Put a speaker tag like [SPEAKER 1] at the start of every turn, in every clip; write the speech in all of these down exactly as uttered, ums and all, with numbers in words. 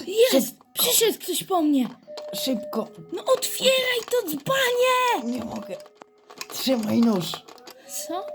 [SPEAKER 1] Jest! Przyszedł ktoś po mnie!
[SPEAKER 2] Szybko!
[SPEAKER 1] No otwieraj to dzbanie!
[SPEAKER 2] Nie mogę. Trzymaj nóż.
[SPEAKER 1] Co?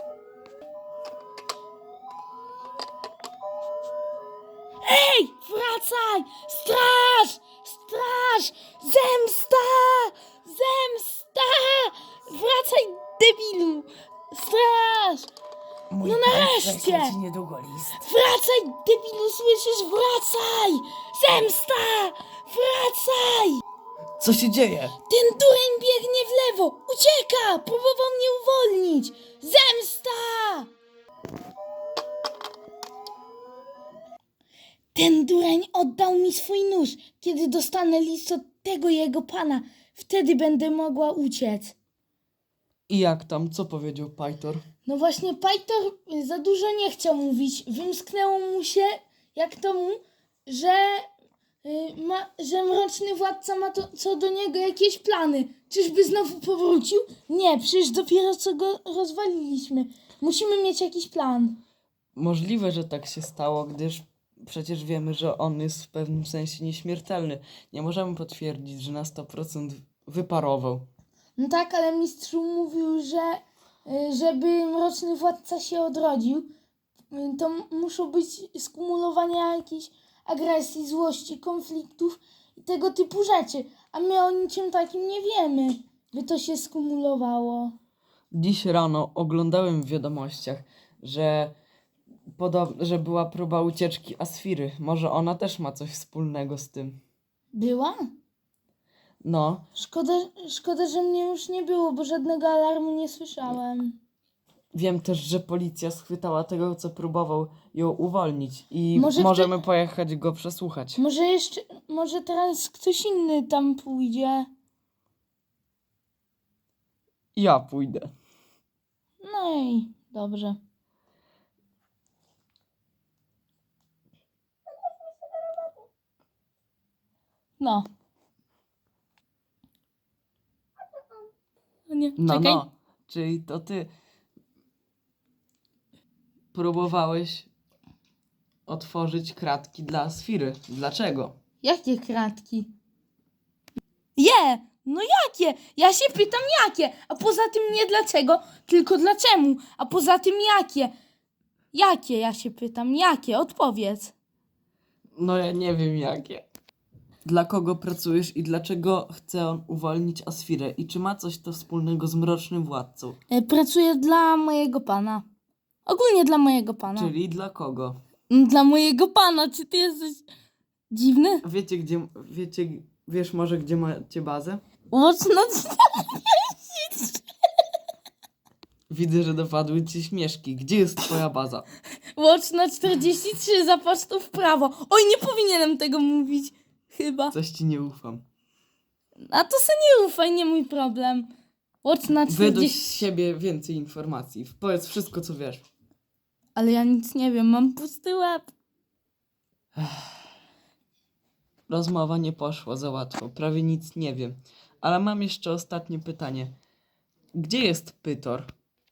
[SPEAKER 1] Ej! Wracaj! Straż! Straż! Zemsta! Zemsta! Wracaj, debilu! Straż!
[SPEAKER 2] Mój
[SPEAKER 1] No
[SPEAKER 2] pan
[SPEAKER 1] nareszcie!
[SPEAKER 2] prześle ci niedługo list.
[SPEAKER 1] Wracaj, debilu, słyszysz? Wracaj! Zemsta! Wracaj!
[SPEAKER 2] Co się dzieje?
[SPEAKER 1] Ten dureń biegnie w lewo! Ucieka! Próbował mnie uwolnić! Zemsta! Ten dureń oddał mi swój nóż. Kiedy dostanę list od tego jego pana, wtedy będę mogła uciec.
[SPEAKER 2] I jak tam? Co powiedział Pajtor?
[SPEAKER 1] No właśnie, Pajtor za dużo nie chciał mówić. Wymsknęło mu się, jak to mu, że, y, ma, że mroczny władca ma to, co do niego jakieś plany. Czyżby znowu powrócił? Nie, przecież dopiero co go rozwaliliśmy. Musimy mieć jakiś plan.
[SPEAKER 2] Możliwe, że tak się stało, gdyż przecież wiemy, że on jest w pewnym sensie nieśmiertelny. Nie możemy potwierdzić, że na sto procent wyparował.
[SPEAKER 1] No tak, ale mistrz mówił, że y, żeby mroczny władca się odrodził, y, to m- muszą być skumulowania jakiejś agresji, złości, konfliktów i tego typu rzeczy. A my o niczym takim nie wiemy, by to się skumulowało.
[SPEAKER 2] Dziś rano oglądałem w wiadomościach, że, podob- że była próba ucieczki Asfiry. Może ona też ma coś wspólnego z tym.
[SPEAKER 1] Była?
[SPEAKER 2] No,
[SPEAKER 1] Szkoda, szkoda, że mnie już nie było, bo żadnego alarmu nie słyszałem.
[SPEAKER 2] wiem też, że policja schwytała tego, co próbował ją uwolnić i
[SPEAKER 1] Może w
[SPEAKER 2] możemy pojechać go przesłuchać.
[SPEAKER 1] Może jeszcze, może teraz ktoś inny tam pójdzie.
[SPEAKER 2] Ja pójdę.
[SPEAKER 1] No i dobrze. No. No nie,
[SPEAKER 2] No,
[SPEAKER 1] czekaj.
[SPEAKER 2] no, czyli to ty próbowałeś otworzyć kratki dla Asfiry. Dlaczego?
[SPEAKER 1] Jakie kratki? Je! No jakie? Ja się pytam jakie, a poza tym nie dlaczego, tylko dlaczemu, a poza tym jakie? Jakie ja się pytam, jakie? Odpowiedz.
[SPEAKER 2] No ja nie wiem jakie. Dla kogo pracujesz i dlaczego chce on uwolnić Asfirę? I czy ma coś to wspólnego z Mrocznym Władcą?
[SPEAKER 1] E, Pracuję dla mojego pana. Ogólnie dla mojego pana.
[SPEAKER 2] Czyli dla kogo?
[SPEAKER 1] Dla mojego pana, czy ty jesteś dziwny?
[SPEAKER 2] Wiecie gdzie, wiecie, wiesz może gdzie macie bazę?
[SPEAKER 1] Mocno
[SPEAKER 2] Widzę, że dopadły ci śmieszki. Gdzie jest twoja baza?
[SPEAKER 1] Watch na czterdzieści trzy, zapatrz tu w prawo. Oj, nie powinienem tego mówić. Chyba.
[SPEAKER 2] Coś ci nie ufam.
[SPEAKER 1] A to se nie ufaj, nie mój problem. Watch na
[SPEAKER 2] Wyduś
[SPEAKER 1] czterdzieści...
[SPEAKER 2] z siebie więcej informacji. Powiedz wszystko, co wiesz.
[SPEAKER 1] Ale ja nic nie wiem, mam pusty łeb.
[SPEAKER 2] Rozmowa nie poszła za łatwo. Prawie nic nie wiem. Ale mam jeszcze ostatnie pytanie. Gdzie jest Pytor?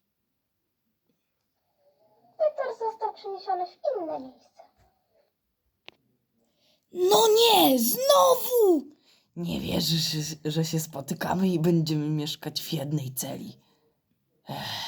[SPEAKER 3] Peter został przeniesiony w inne miejsce.
[SPEAKER 1] No nie, znowu!
[SPEAKER 2] Nie wierzysz, że się spotykamy i będziemy mieszkać w jednej celi. Ech.